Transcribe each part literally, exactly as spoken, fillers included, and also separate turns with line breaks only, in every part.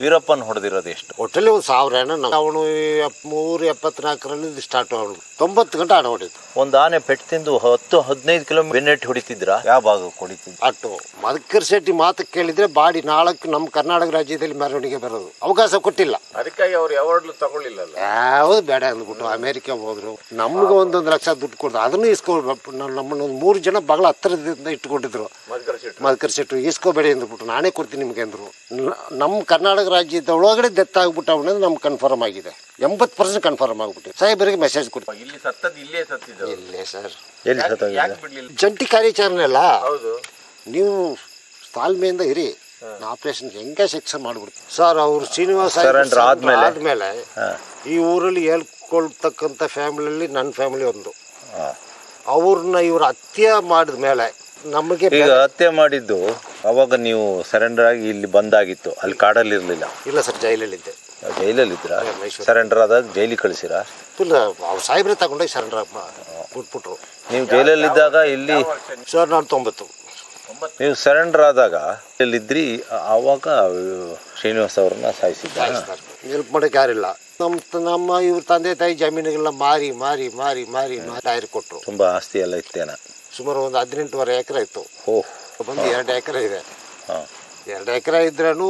ವೀರಪ್ಪನ್ ಹೊಡೆದಿರೋದು ಎಷ್ಟು?
ಒಟ್ಟಲ್ಲಿ ಒಂದು ಸಾವಿರ ಹಣ. ಅವನು ಮೂರು ಎಪ್ಪತ್ನಾಲ್ಕರಲ್ಲಿ ಸ್ಟಾರ್ಟ್ ಅವನು ತೊಂಬತ್ತು ಗಂಟೆ ಹಣ ಹೊಡಿತು.
ಒಂದು ಆನೆ ಪೆಟ್ಟು ತಿಂದು ಹತ್ತು ಹದಿನೈದು ಕಿಲೋಮೀಟರ್ ಬೆನ್ನೆಟ್ಟು ಹೊಡಿತಿದ್ರ? ಯಾವ ಭಾಗಕ್ಕೆ ಹೊಡಿತಿದ್ರು?
ಅಟ್ಟು ಮದಕರ್ ಶೆಟ್ಟಿ ಮಾತು ಕೇಳಿದ್ರೆ ಬಾಡಿ ನಾಲ್ಕು ನಮ್ಮ ಕರ್ನಾಟಕ ರಾಜ್ಯದಲ್ಲಿ ಮೆರವಣಿಗೆ ಬರೋದು ಅವಕಾಶ ಕೊಟ್ಟಿಲ್ಲ.
ಅದಕ್ಕಾಗಿ ಅವ್ರು ಯಾವಾಗ್ಲೂ ತಗೊಳ್ಳಿಲ್ಲ.
ಯಾವ್ದು ಬೇಡ ಅಂದ್ಬಿಟ್ಟು ಅಮೆರಿಕ ಹೋದ್ರು. ನಮ್ಗೆ ಒಂದೊಂದು ಲಕ್ಷ ದುಡ್ಡು ಕೊಡ್ದು ಅದನ್ನು ಇಸ್ಕೊಳ್ಬೇಕು. ನಮ್ಮನ್ನ ಒಂದು ಮೂರು ಜನ ಬಹಳ ಹತ್ತಿರದಿಂದ ಇಟ್ಕೊಂಡಿದ್ರು. ಮದಕರ್ ಶೆಟ್ಟಿ ಇಸ್ಕೋಬೇಡಿ ಅಂದ್ಬಿಟ್ಟು ನಾನೇ ಕೊಡ್ತೀನಿ ನಿಮ್ಗೆ ಅಂದ್ರು. ನಮ್ಮ ಕರ್ನಾಟಕ ರಾಜ್ಯದ ಒಳಗಡೆ ಡೆತ್ ಆಗ್ಬಿಟ್ಟು ಅವನದು ನಮ್ಗೆ ಕನ್ಫರ್ಮ್ ಆಗಿದೆ. ಎಂಬತ್ತು ಪರ್ಸೆಂಟ್ ಕನ್ಫರ್ಮ್ ಆಗ್ಬಿಟ್ಟು ಸಾಹೇಬರಿಗೆ ಮೆಸೇಜ್ ಕೊಡ್ತೀವಿ.
ಇಲ್ಲಿ ಸತ್ತದ ಇಲ್ಲೇ ಸತ್ತಿದ್ದು
ಇಲ್ಲೇ ಸರ್. ಜಂಟಿ ಕಾರ್ಯಾಚರಣೆ ಅಲ್ಲ, ನೀವು ತಾಳ್ಮೆಯಿಂದ ಇರಿ. ಆಪರೇಷನ್ ಹೆಂಗೆ ಸೆಕ್ಷನ್ ಮಾಡ್ಬಿಡ್ತೀವಿ ಸರ್. ಅವ್ರು ಶ್ರೀನಿವಾಸ ಆದ್ಮೇಲೆ ಈ ಊರಲ್ಲಿ ಹೇಳ್ಕೊಳ್ತಕ್ಕಂಥ ಫ್ಯಾಮಿಲಿಯಲ್ಲಿ ನನ್ನ ಫ್ಯಾಮಿಲಿ ಒಂದು. ಅವ್ರನ್ನ ಇವ್ರು ಹತ್ಯೆ ಮಾಡಿದ ಮೇಲೆ ನಮಗೆ
ಈಗ ಹತ್ಯೆ ಮಾಡಿದ್ದು ಅವಾಗ ನೀವು ಸರೆಂಡರ್ ಆಗಿ ಇಲ್ಲಿ ಬಂದಾಗಿತ್ತು. ಅಲ್ಲಿ ಕಾಡಲ್ಲಿ ಇರ್ಲಿಲ್ಲ?
ಇಲ್ಲ ಸರ್, ಜೈಲಲ್ಲಿದ್ದೆ.
ಜೈಲಲ್ಲಿ ಇದ್ರ? ಸರೆಂಡರ್ ಆದಾಗ ಜೈಲಿಗೆ ಕಳಿಸಿರ?
ಇಲ್ಲ, ಅವ್ರು ಸಾಹೇಬ್ರೆ ತಗೊಂಡೋಗಿ ಸರೆಂಡರ್ ಬಿಟ್ಬಿಟ್ರು.
ನೀವು ಜೈಲಲ್ಲಿದ್ದಾಗ ಇಲ್ಲಿ?
ಸರ್ ನಾನು ತೊಂಬತ್ತು.
ನೀವು ಸರೆಂಡರ್ ಆದಾಗ ಇಲ್ಲಿದ್ರಿ, ಆವಾಗ ಶ್ರೀನಿವಾಸ್ ಅವ್ರನ್ನ ಸಾಯಿಸಿದ್ದಾರೆ.
ಹೆಲ್ಪ್ ಮಾಡೋಕೆ ಯಾರಿಲ್ಲ. ನಮ್ಮ ನಮ್ಮ ಇವ್ರ ತಂದೆ ತಾಯಿ ಜಮೀನುಗಳನ್ನ ಮಾರಿ ಮಾರಿ ಮಾರಿ ಮಾರಿ ಟೈರ್ ಕೊಟ್ಟರು.
ತುಂಬಾ ಆಸ್ತಿ ಎಲ್ಲ ಇತ್ತೇನ?
ಸುಮಾರು ಒಂದು ಹದಿನೆಂಟುವರೆ ಎಕರೆ ಇತ್ತು.
ಓಹ್,
ಬಂದು ಎರಡು ಎಕರೆ ಇದೆ. ಎರಡು ಎಕರೆ ಇದ್ರೂ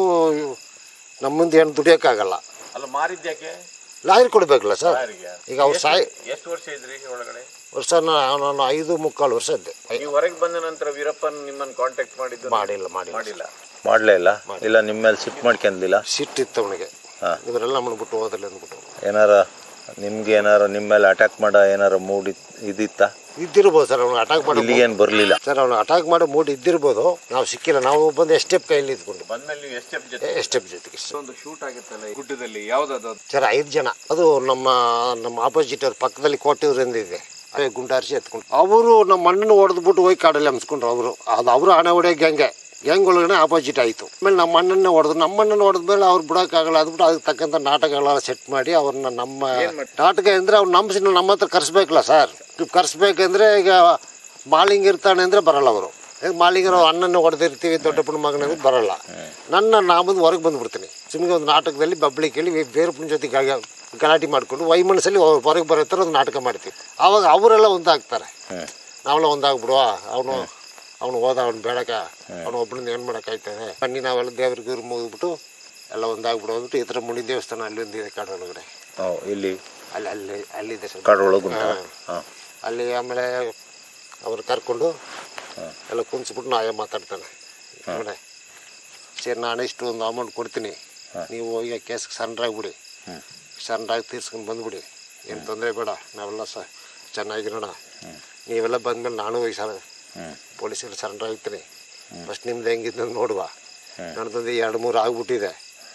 ನಮ್ಮ ಮುಂದೆ ಏನು ದುಡಿಯೋಕ್ಕಾಗಲ್ಲ.
ಅಲ್ಲ, ಮಾರಿದ್ಯಾಕೆ?
ಲಾರಿ ಕೊಡ್ಬೇಕಲ್ಲ ಸರ್. ಈಗ ಅವ್ರು ಸಾಯ್
ಎಷ್ಟು ವರ್ಷ ಇದ್ರಿ ಒಳಗಡೆ?
ವರ್ಷ ನಾನು ಐದು ಮುಕ್ಕಾಲು ವರ್ಷ ಇದ್ದೆ.
ನೀವು ಹೊರಗೆ ಬಂದ ನಂತರ ವೀರಪ್ಪನ್ ನಿಮ್ಮನ್ನು ಕಾಂಟ್ಯಾಕ್ಟ್ ಮಾಡಿದ್ದು?
ಮಾಡಿಲ್ಲ ಮಾಡಿಲ್ಲ
ಮಾಡಿಲ್ಲ
ಮಾಡ್ಲೇ ಇಲ್ಲ. ಇಲ್ಲ ನಿಮ್ಮ ಮೇಲೆ ಸಿಟ್ಟು ಮಾಡ್ಕೊಂಡಿಲ್ಲ?
ಸಿಟ್ಟಿತ್ತು ಅವನಿಗೆ. ಇವರೆಲ್ಲ ಮಾಡ್ಬಿಟ್ಟು ಹೋದಲ್ಲಿ ಅಂದ್ಬಿಟ್ಟು.
ಏನಾರ ನಿಮ್ಗೆ ಏನಾರ ನಿಮ್ಮ ಮೇಲೆ ಅಟ್ಯಾಕ್ ಮಾಡ ಏನಾರ ಮೂಡ್ ಇದ್ದಿತ್ತ?
ಇದ್ದಿರ್ಬೋದು ಸರ್. ಅವ್ನು ಅಟ್ಯಾಕ್ ಮಾಡಿ
ಇಲ್ಲಿ ಏನು ಬರಲಿಲ್ಲ
ಸರ್. ಅವ್ನು ಅಟ್ಯಾಕ್ ಮಾಡೋ ಮೂಡ್ ಇದ್ದಿರ್ಬೋದು. ನಾವು ಸಿಕ್ಕಿಲ್ಲ. ನಾವು ಬಂದು ಎಸ್ಟೆಪ್ ಕೈಯಲ್ಲಿ ಇದ್ಕೊಂಡು
ಬಂದ್ಮೇಲೆ ನೀವು ಎಸ್ಟೆಪ್ ಜೊತೆ
ಎಸ್ಟೆಪ್ ಜೊತೆಗೆ
ಒಂದು ಶೂಟ್ ಆಗಿತ್ತಲ್ಲ ಗುಡ್ಡದಲ್ಲಿ, ಯಾವ್ದು
ಸರ್? ಐದು ಜನ. ಅದು ನಮ್ಮ ನಮ್ಮ ಆಪೋಸಿಟ್ ಅವ್ರ ಪಕ್ಕದಲ್ಲಿ ಕೋಟೆಯವರಿಂದ ಇದೆ. ಅದೇ ಗುಂಡಾರಿಸಿ ಎತ್ಕೊಂಡು ಅವರು ನಮ್ಮ ಮಣ್ಣನ್ನು ಹೊಡೆದ್ಬಿಟ್ಟು ಹೋಗಿ ಕಾಡಲ್ಲಿ ಹಮ್ಸ್ಕೊಂಡ್ರು. ಅವರು ಅದು ಅವರು ಹಣೆ ಹೊಡೆಯೋ ಗ್ಯಾಂಗೆ ಗ್ಯಾಂಗ್ ಒಳಗಡೆ ಆಪೋಸಿಟ್ ಆಯಿತು. ಆಮೇಲೆ ನಮ್ಮ ಮಣ್ಣನ್ನೇ ಹೊಡೆದ್ರು. ನಮ್ಮ ಮಣ್ಣನ್ನು ಹೊಡೆದ್ಮೇಲೆ ಅವ್ರು ಬಿಡೋಕ್ಕಾಗಲ್ಲ ಅಂದ್ಬಿಟ್ಟು ಅದಕ್ಕೆ ತಕ್ಕಂಥ ನಾಟಕಗಳೆಲ್ಲ ಸೆಟ್ ಮಾಡಿ ಅವ್ರನ್ನ ನಮ್ಮ ನಾಟಕ ಅಂದರೆ ಅವ್ರು ನಂಬಿಸಿ ನಮ್ಮ ಹತ್ರ ಕರೆಸ್ಬೇಕಲ್ಲ ಸರ್. ಕರೆಸ್ಬೇಕಂದ್ರೆ ಈಗ ಮಾಲಿಂಗ್ ಇರ್ತಾನೆ ಅಂದರೆ ಬರಲ್ಲ ಅವರು. ಈಗ ಮಾಲಿಂಗರು ಅಣ್ಣನ ಹೊಡೆದಿರ್ತೀವಿ ದೊಡ್ಡಪ್ಪನ ಮಗನ ಬರಲ್ಲ. ನನ್ನ ನಾಮಂದು ಹೊರಗೆ ಬಂದುಬಿಡ್ತೀನಿ. ಸುಮ್ಮನೆ ಒಂದು ನಾಟಕದಲ್ಲಿ ಬಬ್ಳಿ ಕೇಳಿ ಬೇರಪ್ಪನ ಜೊತೆ ಗಲಾಟೆ ಮಾಡಿಕೊಂಡು ವೈಮನಸ್ಸಲ್ಲಿ ಹೊರಗೆ ಬರೋ ಥರ ಒಂದು ನಾಟಕ ಮಾಡ್ತೀವಿ. ಆವಾಗ ಅವರೆಲ್ಲ ಒಂದಾಗ್ತಾರೆ. ನಾವೆಲ್ಲ ಒಂದಾಗ್ಬಿಡುವ. ಅವನು ಅವನು ಹೋದ, ಅವ್ನು ಬೇಡಕ, ಅವನು ಒಬ್ಬನಿಂದ ಏನು ಮಾಡೋಕ್ಕಾಯ್ತದೆ ಬನ್ನಿ ನಾವೆಲ್ಲ ದೇವ್ರಿಗೆ ಇವ್ರು ಮುಗಿದ್ಬಿಟ್ಟು ಎಲ್ಲ ಒಂದಾಗ್ಬಿಡು ಅಂದ್ಬಿಟ್ಟು ಈ ಥರ ಮುನಿ ದೇವಸ್ಥಾನ ಅಲ್ಲಿ ಒಂದಿದೆ ಕಾಡೊಳಗಡೆ.
ಇಲ್ಲಿ
ಅಲ್ಲಿ ಅಲ್ಲಿ ಅಲ್ಲಿದೆ ಸರ್
ಕಾಡೊಳಗೆ.
ಅಲ್ಲಿ ಆಮೇಲೆ ಅವ್ರು ಕರ್ಕೊಂಡು ಎಲ್ಲ ಕುಂಚ್ಬಿಟ್ಟು ನಾವೇ ಮಾತಾಡ್ತಾನೆ. ನೋಡಿ ಸರಿ, ನಾನು ಇಷ್ಟು ಒಂದು ಅಮೌಂಟ್ ಕೊಡ್ತೀನಿ, ನೀವು ಹೋಗಿ ಕೇಸ್ಗೆ ಸರೆಂಡರ್ ಆಗಿಬಿಡಿ, ಸರೆಂಡರ್ ಆಗಿ ತೀರ್ಸ್ಕೊಂಡು ಬಂದುಬಿಡಿ, ಏನು ತೊಂದರೆ ಬೇಡ, ನಾವೆಲ್ಲ ಸ ಚೆನ್ನಾಗಿರೋಣ. ನೀವೆಲ್ಲ ಬಂದಮೇಲೆ ನಾನು ಹೋಗಿ ಸರ್ ಪೊಲೀಸಲ್ಲಿ ಸರೆಂಡರ್ ಆಗ್ತೀನಿ. ಫಸ್ಟ್ ನಿಮ್ದು ಹೆಂಗಿದ್ದು ನೋಡುವ. ನನ್ನದೊಂದು ಎರಡು ಮೂರು ಆಗ್ಬಿಟ್ಟಿದೆ,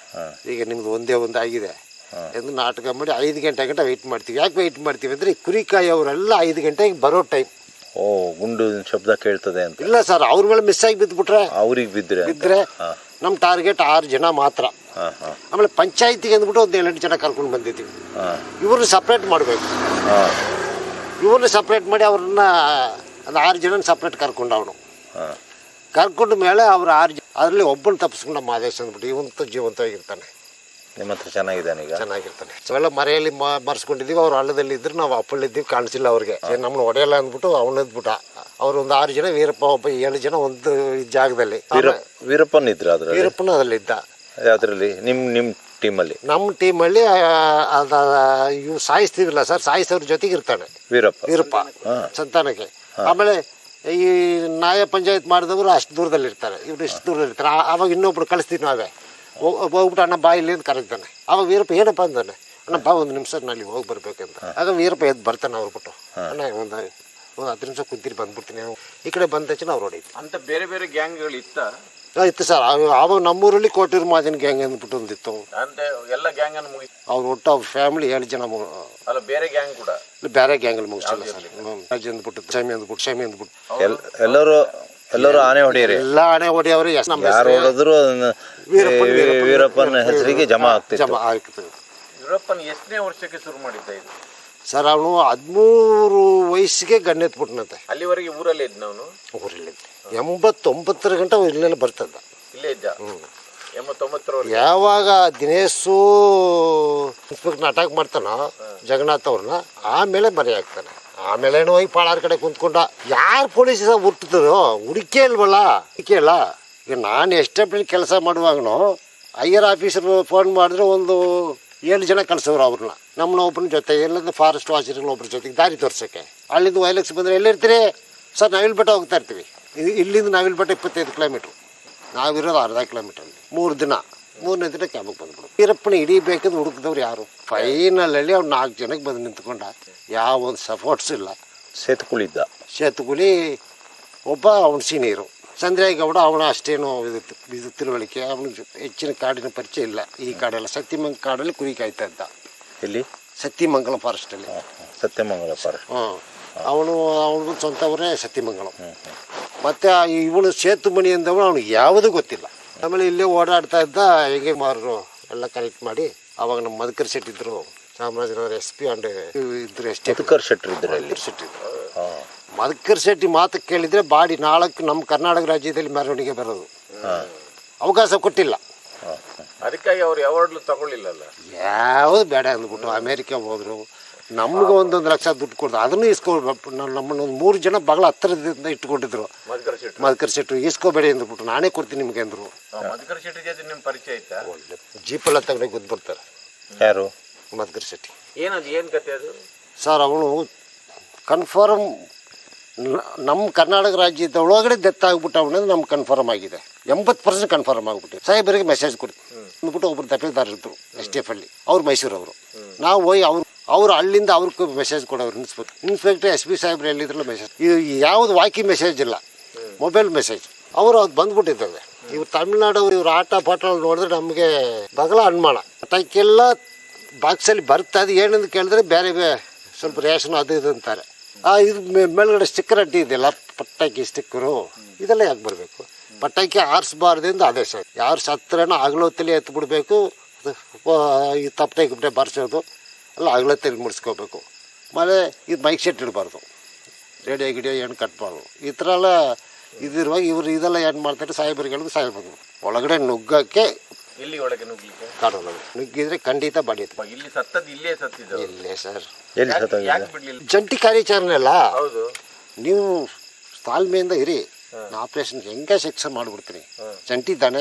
ಈಗ ನಿಮ್ದು ಒಂದೇ ಒಂದು ಆಗಿದೆ ಎಂದು ನಾಟಕ ಮಾಡಿ ಐದು ಗಂಟೆ ಗಂಟೆ ವೆಯ್ಟ್ ಮಾಡ್ತೀವಿ. ಯಾಕೆ ವೆಯ್ಟ್ ಮಾಡ್ತೀವಿ ಅಂದರೆ ಕುರಿಕಾಯಿ ಅವರೆಲ್ಲ ಐದು ಗಂಟೆಗೆ ಬರೋ ಟೈಮ್.
ಓ, ಗುಂಡು ಶಬ್ದ ಕೇಳ್ತದೆ ಅಂತ?
ಇಲ್ಲ ಸರ್, ಅವ್ರ ಮೇಲೆ ಮಿಸ್ ಆಗಿ ಬಿದ್ದುಬಿಟ್ರೆ
ಅವ್ರಿಗೆ ಬಿದ್ದರೆ
ಬಿದ್ದರೆ ನಮ್ಮ ಟಾರ್ಗೆಟ್ ಆರು ಜನ ಮಾತ್ರ. ಆಮೇಲೆ ಪಂಚಾಯತಿಗೆ ಅಂದ್ಬಿಟ್ಟು ಒಂದು ಏಳೆಂಟು ಜನ ಕರ್ಕೊಂಡು ಬಂದಿದ್ದೀವಿ. ಇವ್ರನ್ನ ಸಪ್ರೇಟ್ ಮಾಡಬೇಕು. ಇವ್ರನ್ನ ಸಪ್ರೇಟ್ ಮಾಡಿ ಅವ್ರನ್ನ ಅದು ಆರು ಜನ ಸಪ್ರೇಟ್ ಕರ್ಕೊಂಡು ಅವನು ಕರ್ಕೊಂಡ ಮೇಲೆ ಅವ್ರು ಆರು ಜನ ಅದರಲ್ಲಿ ಒಬ್ಬನ ತಪ್ಪಿಸ್ಕೊಂಡು ನಮ್ಮ ಆದೇಶ ಅಂದ್ಬಿಟ್ಟು ಇವಂತ ಜೀವಂತವಾಗಿರ್ತಾನೆ.
ನಿಮ್ಮ ಹತ್ರ ಚೆನ್ನಾಗಿದ್ದಾನೆ? ಈಗ
ಚೆನ್ನಾಗಿರ್ತಾನೆ. ಅವೆಲ್ಲ ಮರೆಯಲ್ಲಿ ಮರ್ಸ್ಕೊಂಡಿದ್ದೀವಿ. ಅವ್ರು ಹಳ್ಳದಲ್ಲಿ ಇದ್ರು, ನಾವು ಅಪ್ಪಳಿದ್ದೀವಿ, ಕಾಣಿಸಿಲ್ಲ ಅವ್ರಿಗೆ. ನಮ್ಮನ್ನ ಹೊಡೆಯಲ್ಲ ಅಂದ್ಬಿಟ್ಟು ಅವನದ್ಬಿಟ್ಟ. ಅವ್ರು ಒಂದು ಆರು ಜನ, ವೀರಪ್ಪ ಒಬ್ಬ ಏಳು ಜನ ಒಂದು ಜಾಗದಲ್ಲಿ.
ವೀರಪ್ಪನ ಇದ್ರ? ಅದ್ರ
ವೀರಪ್ಪನ ಅದ್ರಲ್ಲಿ ಇದ್ದ.
ಅದರಲ್ಲಿ ನಿಮ್ಮ ನಿಮ್ಮ ಟೀಮಲ್ಲಿ? ನಮ್ಮ
ಟೀಮಲ್ಲಿ ಅದ ಇವು ಸಾಯಿಸ್ತೀವಿಲ್ಲ ಸರ್, ಸಾಯಿಸೋರ ಜೊತೆಗೆ ಇರ್ತಾನೆ ವೀರಪ್ಪ. ವೀರಪ್ಪ ಸಂತಾನಕ್ಕೆ. ಆಮೇಲೆ ಈ ನ್ಯಾಯ ಪಂಚಾಯತ್ ಮಾಡಿದವರು ಅಷ್ಟು ದೂರದಲ್ಲಿ ಇರ್ತಾರೆ, ಇವ್ರು ಇಷ್ಟು ದೂರದಲ್ಲಿ ಇರ್ತಾರೆ. ಆವಾಗ ಇನ್ನೊಬ್ರು ಕಳಿಸ್ತೀವಿ ನಾವೇ. ಹೋಗ್ಬಿಟ್ಟು ಅಣ್ಣ ಬಾ ಇಲ್ಲಿ ಅಂತ ಕರೀತಾನೆ. ಆವಾಗ ವೀರಪ್ಪ ಏನಪ್ಪ ಅಂದಾನೆ, ಅಣ್ಣ ಬಾ ಒಂದು ನಿಮಿಷ ನಲ್ಲಿ ಹೋಗಿ ಬರ್ಬೇಕಂತ. ಆಗ ವೀರಪ್ಪ ಎದ್ದು ಬರ್ತಾನೆ. ಅವ್ರು ಬಿಟ್ಟು ಅಣ್ಣ ಒಂದು ಒಂದು ಹತ್ತು ನಿಮಿಷ ಕುಂತೀರಿ ಬಂದ್ಬಿಡ್ತೀನಿ. ಈ ಕಡೆ ಬಂದ ತಕ್ಷಣ ಅವ್ರು ಹೊಡೀತು.
ಅಂತ ಬೇರೆ ಬೇರೆ ಗ್ಯಾಂಗ್ಗಳು ಇತ್ತ?
ಇತ್ತು ಸರ್. ಆವಾಗ ನಮ್ಮೂರಲ್ಲಿ ಕೋಟೂರು ಮಾದಿನ ಗ್ಯಾಂಗ್ ಅಂದ್ಬಿಟ್ಟು ಒಂದಿತ್ತು.
ಎಲ್ಲ ಗ್ಯಾಂಗ್ ಅನ್ನು ಮುಗಿಸಿ
ಅವ್ರು ಒಟ್ಟು ಅವ್ರ ಫ್ಯಾಮಿಲಿ ಏಳು ಜನ.
ಅಲ್ಲ, ಬೇರೆ ಗ್ಯಾಂಗ್ ಕೂಡ
ಬೇರೆ ಗ್ಯಾಂಗಲ್ಲಿ ಮುಗಿಸಿಲ್ಲ ಸರ್. ರಾಜ ಅಂದ್ಬಿಟ್ಟು, ಶಮಿ ಅಂದ್ಬಿಟ್ಟು, ಶಮಿ ಅಂದ್ಬಿಟ್ಟು
ಎಲ್ಲರೂ ಎಲ್ಲರೂ ಆನೆ ಹೊಡೆಯರಿ.
ಎಲ್ಲ ಆನೆ ಹೊಡೆಯವ್ರೆ.
ಯಾರು ಹೊಡೆದ್ರು ವೀರಪ್ಪನ ಹೆಸರಿಗೆ ಜಮಾ ಆಗ್ತದೆ.
ಜಮಾ ಆಗ್ತದೆ.
ವೀರಪ್ಪನ ಎಷ್ಟನೇ ವರ್ಷಕ್ಕೆ ಶುರು ಮಾಡಿದ್ದ ಇದು
ಸರ್? ಅವನು ಹದಿಮೂರು ವಯಸ್ಸಿಗೆ ಗಣ್ಣೆತ್ಬಿಟ್ನಂತೆ.
ಅಲ್ಲಿವರೆಗೆ ಊರಲ್ಲೇ ಇದ್ದ? ಅವನು
ಊರಲ್ಲಿದ್ದ. ಎಂಬತ್ತೊಂಬತ್ತರ ಗಂಟೆ ಇಲ್ಲೆಲ್ಲ ಬರ್ತದ.
ಇಲ್ಲೇ ಇದ್ದ. ಎಂಬತ್ತೊಂಬತ್ತರವರೆಗೆ
ಯಾವಾಗ ದಿನೇಶು ಇನ್ಸ್ಪೆಕ್ಟರ್ ಅಟ್ಯಾಕ್ ಮಾಡ್ತಾನೋ ಜಗನ್ನಾಥ್ ಅವ್ರನ್ನ, ಆಮೇಲೆ ಮನೆ ಹಾಕ್ತಾನೆ. ಆಮೇಲೆ ಏನೋ ಹೋಗಿ ಪಾಳಾರ ಕಡೆ ಕುಂತ್ಕೊಂಡ. ಯಾರು ಪೊಲೀಸ್ ಹುಡ್ತಿದ್ರು ಹುಡುಕೇ ಇಲ್ವಲ್ಲ, ಹುಡುಕೇ ಇಲ್ಲ. ಈಗ ನಾನು ಎಷ್ಟೇ ಕೆಲಸ ಮಾಡುವಾಗನು ಐಯರ್ ಆಫೀಸರ್ ಫೋನ್ ಮಾಡಿದ್ರೆ ಒಂದು ಏಳು ಜನ ಕಳ್ಸೋರು ಅವ್ರನ್ನ, ನಮ್ಮನ್ನ ಒಬ್ಬನ ಜೊತೆ, ಎಲ್ಲಂದ್ರೆ ಫಾರೆಸ್ಟ್ ವಾಚರ್ಗಳ ಒಬ್ಬರ ಜೊತೆಗೆ ದಾರಿ ತೋರ್ಸೋಕ್ಕೆ. ಅಲ್ಲಿಂದ ವೈಲಕ್ಸ್ ಬಂದರೆ ಎಲ್ಲಿರ್ತೀರಿ ಸರ್? ನಾವಿಲ್ ಬೆಟ್ಟ ಹೋಗ್ತಾ ಇರ್ತೀವಿ. ಇಲ್ಲಿಂದ ನಾವಿಲ್ ಬೆಟ್ಟ ಇಪ್ಪತ್ತೈದು ಕಿಲೋಮೀಟ್ರು, ನಾವಿರೋದು ಅರ್ಧ ಕಿಲೋಮೀಟ್ರ್. ಮೂರು ದಿನ ಮೂರನೇ ದಿನ ಕ್ಯಾಬಿಗೆ ಬಂದ್ಬಿಡು. ವೀರಪ್ಪನ ಹಿಡಿಬೇಕಂದ್ರೆ ಹುಡುಕಿದವ್ರು ಯಾರು? ಫೈನಲಲ್ಲಿ ಅವ್ನು ನಾಲ್ಕು ಜನಕ್ಕೆ ಬಂದು ನಿಂತ್ಕೊಂಡ. ಯಾವ ಒಂದು ಸಪೋರ್ಟ್ಸ್ ಇಲ್ಲ.
ಸೇತುಕುಳಿದ್ದ
ಸೇತುಕುಲಿ ಒಬ್ಬ ಅವನ ಸೀನಿಯರು ಚಂದ್ರೇಗೌಡ, ಅವನ ಅಷ್ಟೇನು ಇದು ಇದು ತಿಳುವಳಿಕೆ, ಅವನಿಗೆ ಹೆಚ್ಚಿನ ಕಾಡಿನ ಪರಿಚಯ ಇಲ್ಲ. ಈ ಕಾಡೆಲ್ಲ ಸತ್ಯಮಂಗ ಕಾಡಲ್ಲಿ ಕುರಿ ಕಾಯ್ತಾ ಇದ್ದ.
ಇಲ್ಲಿ
ಸತ್ಯಮಂಗಲಂ ಫಾರೆಸ್ಟಲ್ಲಿ.
ಸತ್ಯಮಂಗಲ ಫಾರೆಸ್ಟ್.
ಹಾಂ, ಅವನು ಅವನಿಗೂ ಸ್ವಂತ ಅವರೇ ಸತ್ಯಮಂಗಲಂ. ಮತ್ತು ಇವನು ಸೇತುಮಣಿ ಅಂದವನು ಅವನಿಗೆ ಯಾವುದೂ ಗೊತ್ತಿಲ್ಲ. ಆಮೇಲೆ ಇಲ್ಲೇ ಓಡಾಡ್ತಾ ಇದ್ದ. ಹೇಗೆ ಮಾರು ಎಲ್ಲ ಕನೆಕ್ಟ್ ಮಾಡಿ ಅವಾಗ ನಮ್ಮ ಮಧುಕರ್ ಶೆಟ್ಟಿ ಇದ್ರು, ಚಾಮರಾಜನಗರ ಎಸ್ ಪಿ ಅಂಡ್ ಇದ್ರು. ಎಷ್ಟೇ
ಮಧುಕರ್ ಶೆಟ್ಟಿ ಇದ್ರು ಅಲ್ಲಿ.
ಶೆಟ್ಟಿ ಇದ್ರು. ಮಧುಕರ್ ಶೆಟ್ಟಿ ಮಾತು ಕೇಳಿದರೆ ಬಾಡಿ ನಾಲ್ಕು ನಮ್ಮ ಕರ್ನಾಟಕ ರಾಜ್ಯದಲ್ಲಿ ಮೆರವಣಿಗೆ ಬರೋದು. ಅವಕಾಶ ಕೊಟ್ಟಿಲ್ಲ.
ಅದಕ್ಕಾಗಿ ಅವ್ರು ಯಾವಾಗಲೂ ತಗೊಳ್ಳಿಲ್ಲಲ್ಲ.
ಯಾವುದು ಬೇಡ ಅಂದ್ಬಿಟ್ಟು ಅಮೇರಿಕಾ ಹೋದ್ರು. ನಮ್ಗೆ ಒಂದೊಂದು ಲಕ್ಷ ದುಡ್ಡು ಕೊಡ್ದು ಅದನ್ನು ಇಸ್ಕೊಳ್ಬೇಕು. ನಮ್ಮನ್ನು ಒಂದು ಮೂರು ಜನ ಬಹಳ ಹತ್ತಿರದಿಂದ ಇಟ್ಕೊಂಡಿದ್ರು.
ಮಧುಕರ್ ಶೆಟ್ಟಿ
ಮಧುಕರ್ ಶೆಟ್ಟಿ ಇಸ್ಕೋಬೇಡಿ ಅಂದ್ಬಿಟ್ಟು ನಾನೇ ಕೊಡ್ತೀನಿ ನಿಮಗೆ ಅಂದರು.
ಮಧುಕರ್ ಶೆಟ್ಟಿ ಜೊತೆ ನಿಮ್ಮ ಪರಿಚಯ ಆಯ್ತಾ?
ಒಳ್ಳೆ ಜೀಪೆಲ್ಲ ತಗೊಂಡು ಗೊತ್ತು ಬರ್ತಾರೆ.
ಯಾರು?
ಮಧುಕರ್ ಶೆಟ್ಟಿ.
ಏನದು, ಏನು ಕತೆ ಅದು
ಸರ್? ಅವನು ಕನ್ಫರ್ಮ್ ನಮ್ಮ ಕರ್ನಾಟಕ ರಾಜ್ಯದ ಒಳಗಡೆ ಡೆತ್ ಆಗಿಬಿಟ್ಟು ಅವನದು ನಮ್ಗೆ ಕನ್ಫರ್ಮ್ ಆಗಿದೆ. ಎಂಬತ್ತು ಪರ್ಸೆಂಟ್ ಕನ್ಫರ್ಮ್ ಆಗಿಬಿಟ್ಟು ಸಾಹೇಬರಿಗೆ ಮೆಸೇಜ್ ಕೊಡ್ತೀವಿ ಅಂದ್ಬಿಟ್ಟು ಒಬ್ಬರು ತಪೇದಾರ ಇದ್ರು ಎಸ್ ಟಿ ಎಫ್ ಅಲ್ಲಿ. ಅವ್ರು ಮೈಸೂರವರು. ನಾವು ಹೋಗಿ ಅವ್ರು ಅವ್ರು ಅಲ್ಲಿಂದ ಅವ್ರಿಗೆ ಮೆಸೇಜ್ ಕೊಡೋರು. ಇನ್ಸ್ಪೆಕ್ಟರ್ ಇನ್ಸ್ಪೆಕ್ಟರ್ ಎಸ್ ಪಿ ಸಾಹೇಬ್ರು ಎಲ್ಲಿದ್ರಲ್ಲ ಮೆಸೇಜ್. ಇದು ಯಾವುದು ವಾಕಿ ಮೆಸೇಜ್ ಇಲ್ಲ, ಮೊಬೈಲ್ ಮೆಸೇಜ್. ಅವರು ಅದು ಬಂದ್ಬಿಟ್ಟಿದ್ದಾರೆ. ಇವ್ರು ತಮಿಳ್ನಾಡವ್ರು ಇವ್ರ ಆಟ ಪಾಠ ನೋಡಿದ್ರೆ ನಮಗೆ ಬಗಲ ಅನುಮಾನ. ಅದಕ್ಕೆಲ್ಲ ಬಾಕ್ಸಲ್ಲಿ ಬರ್ತಾ ಇದೆ. ಏನಂದು ಕೇಳಿದ್ರೆ ಬೇರೆ ಬೇರೆ ಸ್ವಲ್ಪ ರೇಷನ್ ಅದು ಇದು ಅಂತಾರೆ. ಆ ಇದು ಮೇಲ್ಗಡೆ ಸ್ಟಿಕ್ಕರ್ ಅಡ್ಡಿ ಇದೆಯಲ್ಲ, ಪಟಾಕಿ ಸ್ಟಿಕ್ಕರು, ಇದೆಲ್ಲ ಯಾಕೆ ಬರಬೇಕು? ಪಟಾಕಿ ಆರಿಸ್ಬಾರ್ದಿಂದ ಆದೇಶ. ಯಾರು ಸತ್ರನೋ ಅಗಲೊತ್ತಲ್ಲಿ ಎತ್ತು ಬಿಡಬೇಕು. ಈ ತಪ್ಪಟೆ ಗಿಪ್ಪಟೆ ಬಾರಿಸೋದು ಎಲ್ಲ ಅಗಲೊತ್ತಲ್ಲಿ ಮುಡಿಸ್ಕೋಬೇಕು. ಆಮೇಲೆ ಇದು ಮೈಕ್ ಸೆಟ್ ಇಡಬಾರ್ದು, ರೇಡಿಯೋ ಗಿಡಿಯೋ ಏನು ಕಟ್ಬಾರ್ದು. ಈ ಥರ ಎಲ್ಲ ಇದಿರುವಾಗ ಇವರು ಇದೆಲ್ಲ ಏನು ಮಾಡ್ತಾರೆ? ಸಾಹೇಬರುಗಳಿಗೆ ಸಾಹೇಬರು ಒಳಗಡೆ ನುಗ್ಗಕ್ಕೆ,
ಇಲ್ಲಿ ಒಳಗೆ ನುಗ್ಲಿಕ್ಕೆ
ಕಾಡೊಳಗೆ ನುಗ್ಗಿದ್ರೆ ಖಂಡಿತ ಬಡಿಯುತ್ತೆ.
ಇಲ್ಲಿ ಸತ್ತದ್ದು ಇಲ್ಲೇ ಸತ್ತಿದ್ದು.
ಇಲ್ಲೇ ಸರ್.
ಎಲ್ಲಿ ಸತ್ತೋಗಿದೆ?
ಯಾಕೆ ಬಿಡ್ಲಿಲ್ಲ?
ಜಂಟಿ ಕಾರ್ಯಾಚರಣೆ ಅಲ್ಲ.
ಹೌದು.
ನೀವು ತಾಳ್ಮೆಯಿಂದ ಇರಿ. ಆಪರೇಷನ್ ಹೆಂಗೆ ಶಿಕ್ಷೆ ಮಾಡಿಬಿಡ್ತೀನಿ. ಜಂಟಿ ತಾನೆ,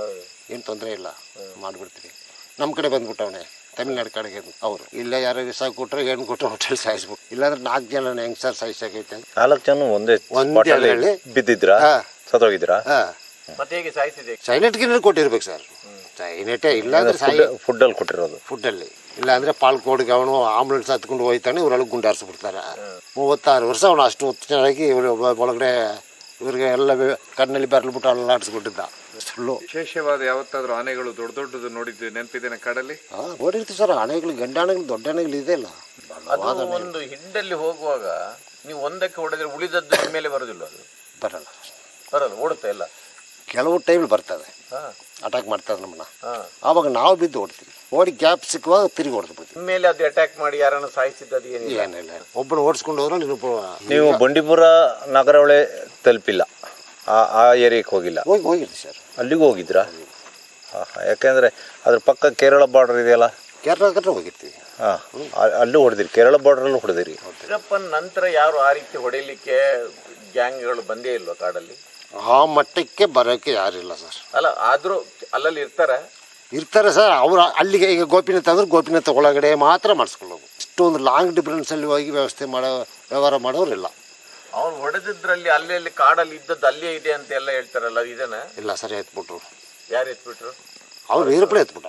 ಏನು ತೊಂದರೆ ಇಲ್ಲ, ಮಾಡಿಬಿಡ್ತೀನಿ. ನಮ್ಮ ಕಡೆ ಬಂದ್ಬಿಟ್ಟವನೆ ತಮಿಳ್ನಾಡು ಕಡೆಗೆ. ಅವರು ಇಲ್ಲೇ ಯಾರೋ ವಿಸ ಕೊಟ್ಟರೆ ಏನು ಕೊಟ್ಟರೆ ಹೋಟೆಲ್ ಸಾಯಿಸ್ಬಿಟ್ಟು. ಇಲ್ಲಾಂದ್ರೆ ನಾಲ್ಕು ಜನ ಹೆಂಗೆ ಸರ್ ಸಾಯಿಸಾಗೈತೆ?
ನಾಲ್ಕು ಜನ ಒಂದೇ
ಒಂದೇ
ಬಿದ್ದಿದ್ರಾ? ಸತ್ತೋಗಿದ್ರಾ?
ಹಾಂ.
ಮತ್ತೆ ಹೇಗೆ ಸಾಯ್ತಿದೆ?
Silent ಗಿನ್ನರ್ ಕೊಟ್ಟಿರ್ಬೇಕು sir. ಸೈಲೆಂಟೇ ಇಲ್ಲಾಂದ್ರೆ ಸಾಯಿ
ಫುಡ್ಡಲ್ಲಿ ಕೊಟ್ಟಿರೋದು.
ಫುಡ್ಡಲ್ಲಿ ಇಲ್ಲಾಂದ್ರೆ ಪಾಲ್ಕೋಡ್ಗೆ ಅವನು ಆಂಬುಲೆನ್ಸ್ ಹತ್ಕೊಂಡು ಹೋಯ್ತಾನೆ. ಇವರೊಳಗೆ ಗುಂಡಾರಿಸ್ಬಿಡ್ತಾರೆ. ಮೂವತ್ತಾರು ವರ್ಷ ಅವನು ಅಷ್ಟು ಚೆನ್ನಾಗಿ ಇವರು ಒಳಗಡೆ ಇವ್ರಿಗೆ ಎಲ್ಲ ಕಣ್ಣಲ್ಲಿ ಬೆರಳ್ಬಿಟ್ಟು ಅಲ್ಲಾಡಿಸ್ಬಿಟ್ಟಿದ್ದ. ಸುಳ್ಳು.
ವಿಶೇಷವಾದ ಯಾವತ್ತಾದ್ರೂ ಆನೆಗಳು ದೊಡ್ಡ ದೊಡ್ಡದು ನೋಡಿದ್ವಿ ನೆನಪಿದ್ದೇನೆ ಕಾಡಲ್ಲಿ?
ಹಾಂ, ನೋಡಿರ್ತೀವಿ ಸರ್. ಆನೆಗಳು, ಗಂಡ ಆನೆಗಳು, ದೊಡ್ಡ ಆನೆಗಳು ಇದೆ ಇಲ್ಲ.
ಅದು ಒಂದು ಹಿಂಡಲ್ಲಿ ಹೋಗುವಾಗ ನೀವು ಒಂದಕ್ಕೆ ಹೊಡೆದ್ರೆ ಉಳಿದದ್ದು ಮೇಲೆ ಬರೋದಿಲ್ಲ. ಅದು
ಬರಲ್ಲ,
ಬರಲ್ಲ, ಓಡುತ್ತೆ ಎಲ್ಲ.
ಕೆಲವು ಟೈಮ್ ಬರ್ತದೆ, ಅಟ್ಯಾಕ್ ಮಾಡ್ತಾರೆ ನಮ್ಮನ್ನ. ಆವಾಗ ನಾವು ಬಿದ್ದು ಓಡ್ತೀವಿ. ಓಡಿ ಗ್ಯಾಪ್ ಸಿಕ್ಕುವಾಗ ತಿರುಗಿ ಹೊಡೆದು ಬಿಡ್ತೀವಿ.
ಮೇಲೆ ಅದು ಅಟ್ಯಾಕ್ ಮಾಡಿ ಯಾರನ್ನ ಸಾಯಿಸಿದ್ದು ಏನಿಲ್ಲ.
ಏನಿಲ್ಲ, ಒಬ್ಬನ ಓಡಿಸ್ಕೊಂಡು ಹೋದ್ರೆ ನೀನು
ನೀವು ಬಂಡೀಪುರ ನಗರವಳೆ ತಲುಪಿಲ್ಲ, ಆ ಆ ಏರಿಯಾಕ್ಕೆ ಹೋಗಿಲ್ಲ?
ಹೋಗಿ ಹೋಗಿರಿ ಸರ್.
ಅಲ್ಲಿಗೂ ಹೋಗಿದ್ರಾ? ಹಾಂ ಹಾಂ. ಯಾಕೆಂದರೆ ಅದ್ರ ಪಕ್ಕ ಕೇರಳ ಬಾರ್ಡರ್ ಇದೆಯಲ್ಲ,
ಕೇರಳ ಕಡೆ ಹೋಗಿರ್ತೀವಿ.
ಹಾಂ, ಅಲ್ಲೂ ಹೊಡೆದಿರಿ, ಕೇರಳ ಬಾರ್ಡ್ರಲ್ಲೂ ಹೊಡೆದಿರಿ.
ವೀರಪ್ಪನ ನಂತರ ಯಾರು ಆ ರೀತಿ ಹೊಡೆಯಲಿಕ್ಕೆ ಗ್ಯಾಂಗ್ಗಳು ಬಂದೇ ಇಲ್ವಾ ಕಾಡಲ್ಲಿ?
ಆ ಮಟ್ಟಕ್ಕೆ ಬರೋಕ್ಕೆ ಯಾರಿಲ್ಲ ಸರ್.
ಅಲ್ಲ, ಆದರೂ ಅಲ್ಲಲ್ಲಿ ಇರ್ತಾರೆ
ಇರ್ತಾರೆ ಸರ್. ಅವ್ರು ಅಲ್ಲಿಗೆ ಈಗ ಗೋಪಿನಾಥ ಅಂದ್ರೆ ಗೋಪಿನಾಥ ಒಳಗಡೆ ಮಾತ್ರ ಮಾಡಿಸ್ಕೊಳ್ಳೋದು. ಇಷ್ಟೊಂದು ಲಾಂಗ್ ಡಿಫ್ರೆನ್ಸಲ್ಲಿ ಹೋಗಿ ವ್ಯವಸ್ಥೆ ಮಾಡೋ ವ್ಯವಹಾರ ಮಾಡೋರಿಲ್ಲ.
ಅವ್ರು ಹೊಡೆದಿದ್ರಲ್ಲಿ ಅಲ್ಲಿ ಅಲ್ಲಿ ಕಾಡಲ್ಲಿ ಇದ್ದದ್ದು ಅಲ್ಲೇ ಇದೆ ಅಂತ ಎಲ್ಲ ಹೇಳ್ತಾರಲ್ಲ, ಇದೇನ?
ಇಲ್ಲ ಸರ್, ಎತ್ಬಿಟ್ರು.
ಯಾರು ಎತ್ಬಿಟ್ರು?
ಅವ್ರು ವೀರಪ್ಪನೇ ಎತ್ಬಿಟ್ಟ.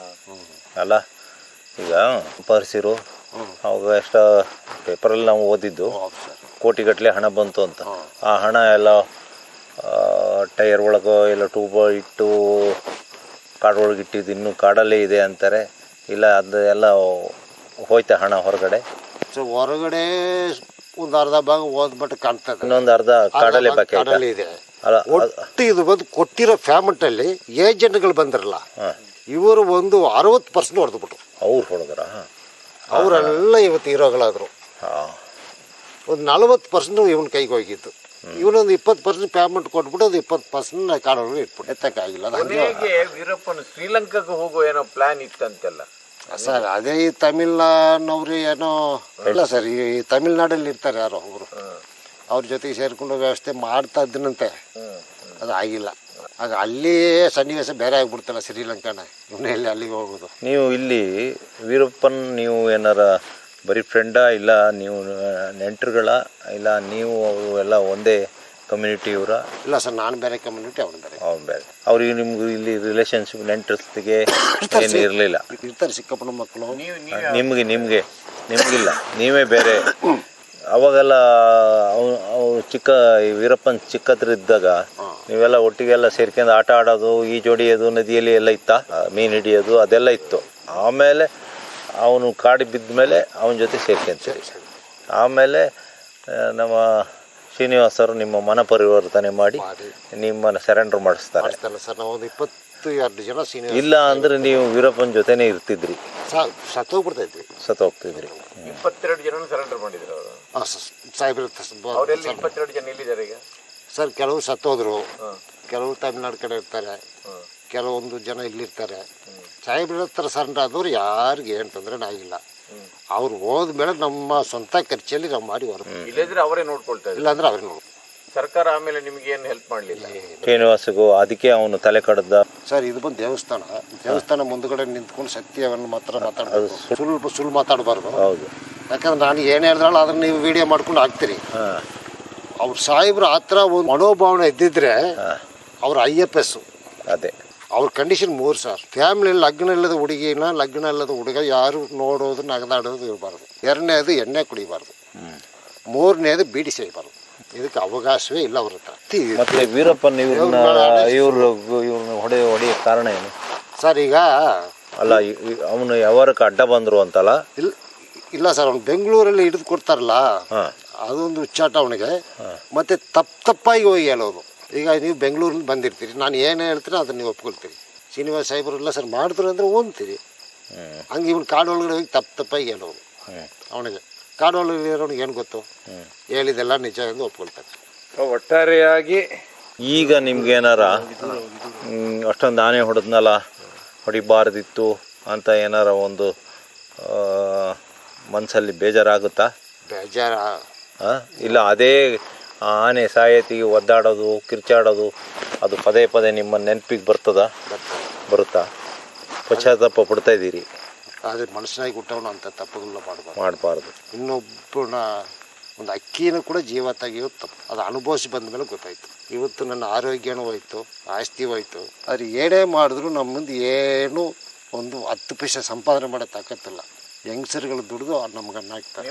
ಅಲ್ಲ, ಈಗ ಪರಿಸಿರು ಅವಾಗ ಎಷ್ಟ ಪೇಪರಲ್ಲಿ ನಾವು ಓದಿದ್ದು ಕೋಟಿಗಟ್ಟಲೆ ಹಣ ಬಂತು ಅಂತ. ಆ ಹಣ ಎಲ್ಲ ಟೈರ್ ಒಳಗೋ ಎಲ್ಲ ಟ್ಯೂಬ್ ಇಟ್ಟು ಕಾಡೊಳಗೆ ಇಟ್ಟಿದ್ದು ಇನ್ನೂ ಕಾಡಲ್ಲೇ ಇದೆ ಅಂತಾರೆ. ಇಲ್ಲ ಅದು ಎಲ್ಲ ಹೋಯ್ತಾ ಹಣ ಹೊರಗಡೆ?
ಸೊ ಹೊರಗಡೆ ಒಂದು ಅರ್ಧ ಭಾಗ ಓದ್ಬಿಟ್ಟು ಕಾಣ್ತದೆ,
ಇನ್ನೊಂದು ಅರ್ಧ ಕಾಡಲ್ಲೇ ಬಾಕಿ
ಇದೆ.
ಅಲ್ಲ,
ಒಟ್ಟು ಇದು ಬಂದು ಕೊಟ್ಟಿರೋ ಫ್ಯಾಮೆಂಟಲ್ಲಿ ಏಜೆಂಟ್ಗಳು ಬಂದಿರಲ್ಲ, ಇವರು ಒಂದು ಅರವತ್ತು ಪರ್ಸೆಂಟ್ ಹೊಡೆದ್ಬಿಟ್ರು.
ಅವ್ರು ಹೊಡೆದ್ರ?
ಅವರೆಲ್ಲ ಇವತ್ತು ಹೀರೋಗಳಾದರು. ಒಂದು ನಲವತ್ತು ಪರ್ಸೆಂಟ್ ಇವನ ಕೈಗೆ ಹೋಗಿತ್ತು. ಇವನೊಂದು ಇಪ್ಪತ್ತು ಪರ್ಸೆಂಟ್ ಪೇಮೆಂಟ್ ಕೊಟ್ಬಿಟ್ಟು ಅದು ಇಪ್ಪತ್ತು ಪರ್ಸೆಂಟ್ ಕಾಡೊಳಗೆ ಇಟ್ಬಿಟ್ಟು ಎತ್ತಕ್ಕಾಗಿಲ್ಲ ಅದು ಹಂಗೆ
ಕೊನೆಗೆ ವೀರಪ್ಪನ ಶ್ರೀಲಂಕಾಕ್ಕೆ ಹೋಗೋ ಏನೋ ಪ್ಲಾನ್ ಇತ್ತಂತೆಲ್ಲ.
ಸರ್ ಅದೇ ಈ ತಮಿಳ್ನವ್ರು ಏನೋ ಇಲ್ಲ ಸರ್ ಈ ತಮಿಳ್ನಾಡಲ್ಲಿ ಇರ್ತಾರೆ ಯಾರೋ ಅವರು ಅವ್ರ ಜೊತೆಗೆ ಸೇರ್ಕೊಂಡು ವ್ಯವಸ್ಥೆ ಮಾಡ್ತಾ ಇದ್ದನಂತೆ, ಅದು ಆಗಿಲ್ಲ. ಆಗ ಅಲ್ಲಿ ಸನ್ನಿವೇಶ ಬೇರೆ ಆಗ್ಬಿಡ್ತಲ್ಲ ಶ್ರೀಲಂಕಾನ, ಇವನೇ ಎಲ್ಲಿ ಅಲ್ಲಿಗೆ ಹೋಗೋದು.
ನೀವು ಇಲ್ಲಿ ವೀರಪ್ಪನ್ ನೀವು ಏನಾರ ಬರೀ ಫ್ರೆಂಡಾ ಇಲ್ಲ ನೀವು ನೆಂಟರುಗಳ ಇಲ್ಲ ನೀವು ಅವರು ಎಲ್ಲ ಒಂದೇ ಕಮ್ಯುನಿಟಿ ಇವರ?
ಇಲ್ಲ ಸರ್, ನಾನು ಬೇರೆ ಕಮ್ಯುನಿಟಿ, ಅವನು ಬೇರೆ.
ಅವ್ನು ಬೇರೆ. ಅವ್ರಿಗೆ ನಿಮ್ಗೆ ಇಲ್ಲಿ ರಿಲೇಷನ್ಶಿಪ್ ನೆಂಟರ್ಸ್ಗೆ ಏನು ಇರಲಿಲ್ಲ?
ಇರ್ತಾರೆ ಸಿಕ್ಕಪ್ಪನ ಮಕ್ಕಳು.
ನೀವು ನೀವು
ನಿಮಗೆ ನಿಮಗೆ ನಿಮಗಿಲ್ಲ, ನೀವೇ ಬೇರೆ. ಅವಾಗೆಲ್ಲ ಅವ್ ಅವು ಚಿಕ್ಕ ಈ ವೀರಪ್ಪನ್ ಚಿಕ್ಕದ್ರಿದ್ದಾಗ ನೀವೆಲ್ಲ ಒಟ್ಟಿಗೆಲ್ಲ ಸೇರ್ಕೊಂಡು ಆಟ ಆಡೋದು, ಈಜು ಹೊಡಿಯೋದು, ನದಿಯಲ್ಲಿ ಎಲ್ಲ ಇತ್ತ, ಮೀನು ಹಿಡಿಯೋದು ಅದೆಲ್ಲ ಇತ್ತು. ಆಮೇಲೆ ಅವನು ಕಾಡಿ ಬಿದ್ದ ಮೇಲೆ ಅವನ ಜೊತೆ ಸೇರ್ಕೊಂತೀವಿ. ಆಮೇಲೆ ನಮ್ಮ ಶ್ರೀನಿವಾಸರು ನಿಮ್ಮ ಮನ ಪರಿವರ್ತನೆ ಮಾಡಿ ನಿಮ್ಮನ್ನು ಸರೆಂಡರ್ ಮಾಡಿಸ್ತಾರೆ.
ಸರ್ ನಾವು ಒಂದು ಇಪ್ಪತ್ತು ಎರಡು ಜನ ಸೀನಿಯರ್.
ಇಲ್ಲ ಅಂದ್ರೆ ನೀವು ವೀರಪ್ಪನ ಜೊತೆನೇ ಇರ್ತಿದ್ರಿ,
ಸತ್ತೋಗ್ಬಿಡ್ತಾ ಇದ್ವಿ,
ಸತ್ತು ಹೋಗ್ತಿದ್ರಿ.
ಇಪ್ಪತ್ತೆರಡು ಜನ ಸರೆಂಡರ್ ಮಾಡಿದ್ರು ಅವರು.
ಹಾಂ ಸಾಹೇಬ್ರ
ಅವರೆಲ್ಲ ಇಪ್ಪತ್ತೆರಡು ಜನ ಎಲ್ಲಿದ್ದಾರೆ ಈಗ?
ಸರ್ ಕೆಲವು ಸತ್ತೋದ್ರು, ಕೆಲವು ತಮಿಳ್ನಾಡು ಕಡೆ ಇರ್ತಾರೆ, ಕೆಲವೊಂದು ಜನ ಇಲ್ಲಿರ್ತಾರೆ. ಸಾಹೇಬ್ರ ಹತ್ರ ಸರೆಂಡರ್ ಆದವ್ರು ಯಾರಿಗೆ ಏನು ತೊಂದರೆ ಆಗಿಲ್ಲ. ಅವ್ರು ಹೋದ್ಮೇಲೆ ನಮ್ಮ ಸ್ವಂತ ಖರ್ಚಲ್ಲಿ ನಾವು ಮಾಡಿ ಹೊರ,
ಇಲ್ಲದ್ರೆ ಅವರೇ ನೋಡ್ಕೊಳ್ತಾರೆ,
ಇಲ್ಲಾಂದ್ರೆ ಅವ್ರೇ ನೋಡು.
ಸರ್ಕಾರ ಆಮೇಲೆ ನಿಮ್ಗೆ ಏನು ಹೆಲ್ಪ್ ಮಾಡಲಿಲ್ಲ.
ಶ್ರೀನಿವಾಸಗೂ ಅದಕ್ಕೆ ಅವನು ತಲೆ ಕಡ್ದ.
ಸರ್ ಇದು ಬಂದು ದೇವಸ್ಥಾನ, ದೇವಸ್ಥಾನ ಮುಂದುಗಡೆ ನಿಂತ್ಕೊಂಡು ಸತ್ಯವನ್ನು ಮಾತ್ರ ಮಾತಾಡೋದು, ಸುಳ್ಳು ಸುಳ್ಳು ಮಾತಾಡಬಾರ್ದು.
ಹೌದು,
ಯಾಕಂದ್ರೆ ನಾನು ಏನು ಹೇಳಿದ್ರಲ್ಲ ಅದನ್ನ ನೀವು ವಿಡಿಯೋ ಮಾಡ್ಕೊಂಡು ಹಾಕ್ತೀರಿ. ಅವ್ರ ಸಾಹೇಬ್ರು ಆ ಥರ ಒಂದು ಮನೋಭಾವನೆ ಇದ್ದಿದ್ರೆ ಅವ್ರ ಐ ಎಫ್ ಎಸ್
ಅದೇ
ಅವ್ರ ಕಂಡೀಷನ್ ಮೂರು ಸರ್. ಫ್ಯಾಮಿಲಿ ಲಗ್ನ ಇಲ್ಲದ ಹುಡುಗಿನ ಲಗ್ನ ಇಲ್ಲದ ಹುಡುಗ ಯಾರು ನೋಡೋದು ನಗದಾಡೋದು ಇರಬಾರ್ದು. ಎರಡನೇದು ಎಣ್ಣೆ ಕುಡಿಬಾರ್ದು. ಮೂರನೇದು ಬೀಡಿ ಸೇಯಬಾರ್ದು. ಇದಕ್ಕೆ ಅವಕಾಶವೇ ಇಲ್ಲ ಅವ್ರ ಹತ್ರ.
ಮತ್ತೆ ವೀರಪ್ಪನ್ ಇವ್ರನ್ನ ಇವ್ರು ಇವ್ರನ್ನ ಹೊಡೆ ಹೊಡೆಯ ಕಾರಣ ಏನು
ಸರ್? ಈಗ
ಅಲ್ಲ ಅವನು ಯಾವಾರಕ್ಕೆ ಅಡ್ಡ ಬಂದ್ರು ಅಂತಲ್ಲ?
ಇಲ್ಲ ಇಲ್ಲ ಸರ್, ಅವ್ನು ಬೆಂಗಳೂರಲ್ಲಿ ಹಿಡಿದು ಕೊಡ್ತಾರಲ್ಲ, ಅದೊಂದು ಹುಚ್ಚಾಟ ಅವನಿಗೆ. ಮತ್ತೆ ತಪ್ಪು ತಪ್ಪಾಗಿ ಹೋಗಿ ಹೇಳೋದು. ಈಗ ನೀವು ಬೆಂಗಳೂರಲ್ಲಿ ಬಂದಿರ್ತೀರಿ, ನಾನು ಏನು ಹೇಳ್ತೀರಿ ಅದನ್ನು ನೀವು ಒಪ್ಕೊಳ್ತೀರಿ. ಶ್ರೀನಿವಾಸ ಸಾಹೇಬರೆಲ್ಲ ಸರ್ ಮಾಡಿದ್ರು ಅಂದರೆ ಓದ್ತೀರಿ. ಹಂಗೆ ಇವನು ಕಾಡು ಒಳಗಡೆ ಹೋಗಿ ತಪ್ಪು ತಪ್ಪಾಗಿ ಹೇಳೋದು ಅವನಿಗೆ. ಕಾಡು ಒಳಗಡೆ ಇರೋನಿಗೆ ಏನು ಗೊತ್ತು, ಹೇಳಿದೆಲ್ಲ ನಿಜ ಎಂದು ಒಪ್ಕೊಳ್ತಾರೆ.
ಒಟ್ಟಾರೆಯಾಗಿ
ಈಗ ನಿಮ್ಗೇನಾರ ಅಷ್ಟೊಂದು ಆನೆ ಹೊಡೆದ್ನಲ್ಲ, ಹೊಡಿಬಾರ್ದಿತ್ತು ಅಂತ ಏನಾರ ಒಂದು ಮನಸ್ಸಲ್ಲಿ ಬೇಜಾರಾಗುತ್ತಾ?
ಬೇಜಾರ
ಇಲ್ಲ ಅದೇ ಆನೆ ಸಾಯತಿಗೆ ಒದ್ದಾಡೋದು ಕಿರ್ಚಾಡೋದು ಅದು ಪದೇ ಪದೇ ನಿಮ್ಮ ನೆನಪಿಗೆ ಬರ್ತದ ಬರುತ್ತಾ? ಪಶ್ಚಾತ್ತಾಪ ಪಡ್ತಾ ಇದ್ದೀರಿ?
ಆದರೆ ಮನುಷ್ಯನಾಗಿ ಹುಟ್ಟವನು ಅಂತ ತಪ್ಪುಗಳನ್ನ ಮಾಡಬಾರ್ದು
ಮಾಡಬಾರ್ದು.
ಇನ್ನೊಬ್ಬನ ಒಂದು ಅಕ್ಕಿನೂ ಕೂಡ ಜೀವ ತೆಗೆಯೋದು ತಪ್ಪು. ಅದು ಅನುಭವಿಸಿ ಬಂದ ಮೇಲೆ ಗೊತ್ತಾಯಿತು. ಇವತ್ತು ನನ್ನ ಆರೋಗ್ಯನೂ ಹೋಯ್ತು, ಆಸ್ತಿ ಹೋಯ್ತು. ಆದರೆ ಏನೇ ಮಾಡಿದ್ರು ನಮ್ಮ ಮುಂದೆ ಏನು ಒಂದು ಹತ್ತು ಪೈಸೆ ಸಂಪಾದನೆ ಮಾಡೋ ತಾಕತ್ತಿಲ್ಲ. ಯಂಗ್ಸರ್ಗಳು ದುಡಿದು ನಮ್ಗೆ ಅನ್ನ ಹಾಕ್ತಾರೆ.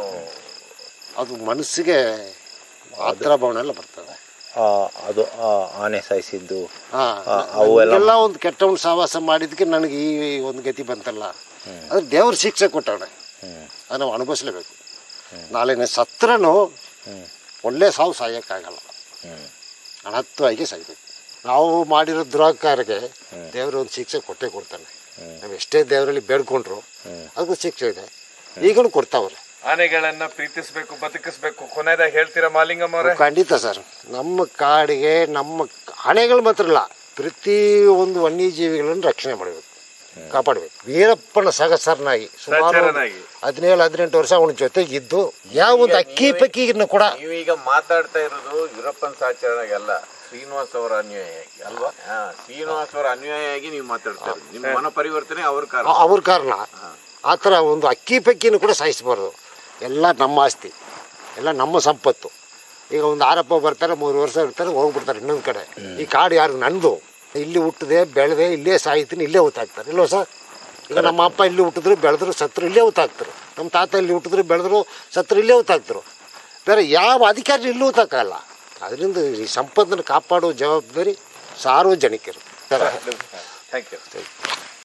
ಅದು ಮನಸ್ಸಿಗೆ ಆತರ ಭಾವನೆ ಎಲ್ಲ ಬರ್ತದೆ.
ಅದು ಆನೆ ಸಾಯಿಸಿದ್ದು
ಅವೆಲ್ಲ ಒಂದು ಕೆಟ್ಟ ಒಂದು ಸಹವಾಸ ಮಾಡಿದ್ದಕ್ಕೆ ನನಗೆ ಈ ಒಂದು ಗತಿ ಬಂತಲ್ಲ, ಅದು ದೇವ್ರ ಶಿಕ್ಷೆ ಕೊಟ್ಟವನೆ, ಅದು ನಾವು ಅನುಭವಿಸ್ಲೇಬೇಕು. ನಾಳೆನೇ ಸತ್ರನೂ ಒಳ್ಳೆ ಸಾವು ಸಾಯೋಕ್ಕಾಗಲ್ಲ, ಅನರ್ಥವಾಗಿ ಸಾಯ್ಬೇಕು. ನಾವು ಮಾಡಿರೋ ದುರಾಕಾರಕ್ಕೆ ದೇವರು ಒಂದು ಶಿಕ್ಷೆ ಕೊಟ್ಟೇ ಕೊಡ್ತಾನೆ. ನಾವು ಎಷ್ಟೇ ದೇವರಲ್ಲಿ ಬೇಡ್ಕೊಂಡ್ರು ಅದಕ್ಕೂ ಶಿಕ್ಷೆ ಇದೆ, ಈಗಲೂ ಕೊಡ್ತಾವ್ರೆ.
ಆನೆಗಳನ್ನ ಪ್ರೀತಿಸ್ಬೇಕು, ಬದುಕಿಸ್ಬೇಕು. ಕೊನೆಯದಾಗಿ ಹೇಳ್ತೀರಾ ಮಾಲಿಂಗಮ್ಮ ಅವರೇ?
ಖಂಡಿತ ಸರ್. ನಮ್ಮ ಕಾಡಿಗೆ ನಮ್ಮ ಆನೆಗಳು ಮಾತ್ರ ಅಲ್ಲ, ಪ್ರತಿ ಒಂದು ವನ್ಯಜೀವಿಗಳನ್ನು ರಕ್ಷಣೆ ಮಾಡಬೇಕು, ಕಾಪಾಡಬೇಕು. ವೀರಪ್ಪನ ಸಹಸರನಾಗಿ ಸುಮಾರು ಹದಿನೇಳು ಹದಿನೆಂಟು ವರ್ಷ ಅವನ ಜೊತೆಗೆ ಇದ್ದು ಯಾವ ಒಂದು ಅಕ್ಕಿ ಪಕ್ಕಿಯನ್ನು ಕೂಡ.
ನೀವೀಗ ಮಾತಾಡ್ತಾ ಇರೋದು ವೀರಪ್ಪನ ಸಹಚರನಾಗಲ್ಲ, ಶ್ರೀನಿವಾಸ್ ಅವರ ಅನ್ಯಾಯವಾಗಿ ಅಲ್ವಾ? ಶ್ರೀನಿವಾಸ್ ಅವರ ಅನ್ಯಾಯವಾಗಿ ನೀವು ಮಾತಾಡ್ತಾ ಇರೋದು. ನಿಮ್ಮ ಮನ ಪರಿವರ್ತನೆ ಅವ್ರ ಕಾರಣ,
ಅವ್ರ ಕಾರಣ. ಆ ಥರ ಒಂದು ಅಕ್ಕಿ ಪಕ್ಕಿನೂ ಕೂಡ ಸಾಯಿಸಬಾರ್ದು. ಎಲ್ಲ ನಮ್ಮ ಆಸ್ತಿ, ಎಲ್ಲ ನಮ್ಮ ಸಂಪತ್ತು. ಈಗ ಒಂದು ಆರಪ್ಪ ಬರ್ತಾರೆ, ಮೂರು ವರ್ಷ ಇರ್ತಾರೆ, ಹೋಗ್ಬಿಡ್ತಾರೆ ಇನ್ನೊಂದು ಕಡೆ. ಈ ಕಾಡು ಯಾರು ನಂದು, ಇಲ್ಲಿ ಹುಟ್ಟಿದೆ ಬೆಳೆದೆ ಇಲ್ಲೇ ಸಾಯ್ತೀನಿ, ಇಲ್ಲೇ ಹೊತ್ತಾಕ್ತಾರೆ ಇಲ್ವ ಸರ್? ಈಗ ನಮ್ಮ ಅಪ್ಪ ಇಲ್ಲಿ ಹುಟ್ಟಿದ್ರು ಬೆಳೆದ್ರು ಸತ್ರು ಇಲ್ಲೇ ಹೊತ್ತಾಕ್ತಾರೆ. ನಮ್ಮ ತಾತ ಇಲ್ಲಿ ಹುಟ್ಟಿದ್ರು ಬೆಳೆದ್ರು ಸತ್ರು ಇಲ್ಲೇ ಹೊತ್ತಾಕ್ತಾರೆ. ಬೇರೆ ಯಾವ ಅಧಿಕಾರಿ ಇಲ್ಲೂ ಹೊತ್ತಾಕಲ್ಲ. ಅದರಿಂದ ಈ ಸಂಪತ್ತನ್ನು ಕಾಪಾಡುವ ಜವಾಬ್ದಾರಿ ಸಾರ್ವಜನಿಕರು.
Thank you.